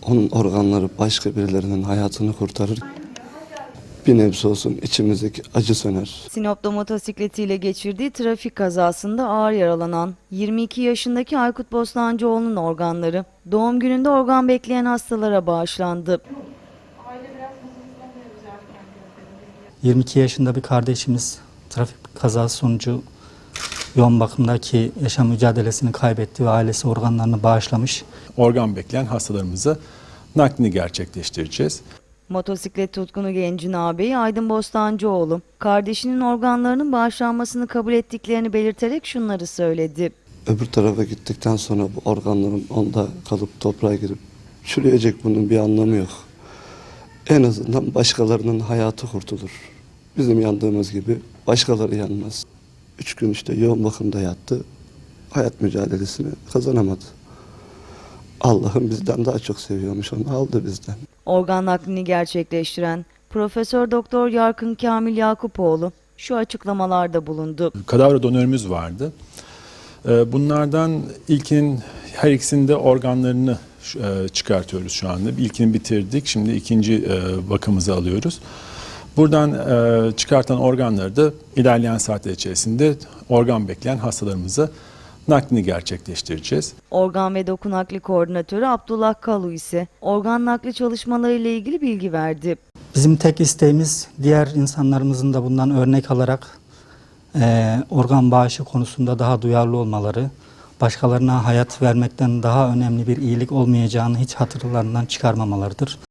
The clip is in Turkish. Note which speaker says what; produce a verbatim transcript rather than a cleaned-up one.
Speaker 1: Onun organları başka birilerinin hayatını kurtarır. Bir nebze olsun içimizdeki acı söner.
Speaker 2: Sinop'ta motosikletiyle geçirdiği trafik kazasında ağır yaralanan yirmi iki yaşındaki Aykut Bostancıoğlu'nun organları doğum gününde organ bekleyen hastalara bağışlandı.
Speaker 3: yirmi iki yaşında bir kardeşimiz trafik kazası sonucu yoğun bakımdaki yaşam mücadelesini kaybetti ve ailesi organlarını bağışlamış.
Speaker 4: Organ bekleyen hastalarımıza naklini gerçekleştireceğiz.
Speaker 2: Motosiklet tutkunu gencin ağabeyi Aydın Bostancıoğlu, kardeşinin organlarının bağışlanmasını kabul ettiklerini belirterek şunları söyledi.
Speaker 1: Öbür tarafa gittikten sonra bu organların onda kalıp toprağa girip çürüyecek, bunun bir anlamı yok. En azından başkalarının hayatı kurtulur. Bizim yandığımız gibi başkaları yanmaz. Üç gün işte yoğun bakımda yattı. Hayat mücadelesini kazanamadı. Allah'ım bizden daha çok seviyormuş, onu aldı bizden.
Speaker 2: Organ naklini gerçekleştiren Profesör Doktor Yarkın Kamil Yakupoğlu şu açıklamalarda bulundu.
Speaker 4: Kadavra donörümüz vardı. Bunlardan ilkinin her ikisinde organlarını çıkartıyoruz şu anda. İlkini bitirdik. Şimdi ikinci bakımımızı alıyoruz. Buradan çıkartan organları da ilerleyen saatler içerisinde organ bekleyen hastalarımıza naklini gerçekleştireceğiz.
Speaker 2: Organ ve doku nakli koordinatörü Abdullah Kalu ise organ nakli çalışmaları ile ilgili bilgi verdi.
Speaker 3: Bizim tek isteğimiz diğer insanlarımızın da bundan örnek alarak e, organ bağışı konusunda daha duyarlı olmaları, başkalarına hayat vermekten daha önemli bir iyilik olmayacağını hiç hatırlarından çıkarmamalarıdır.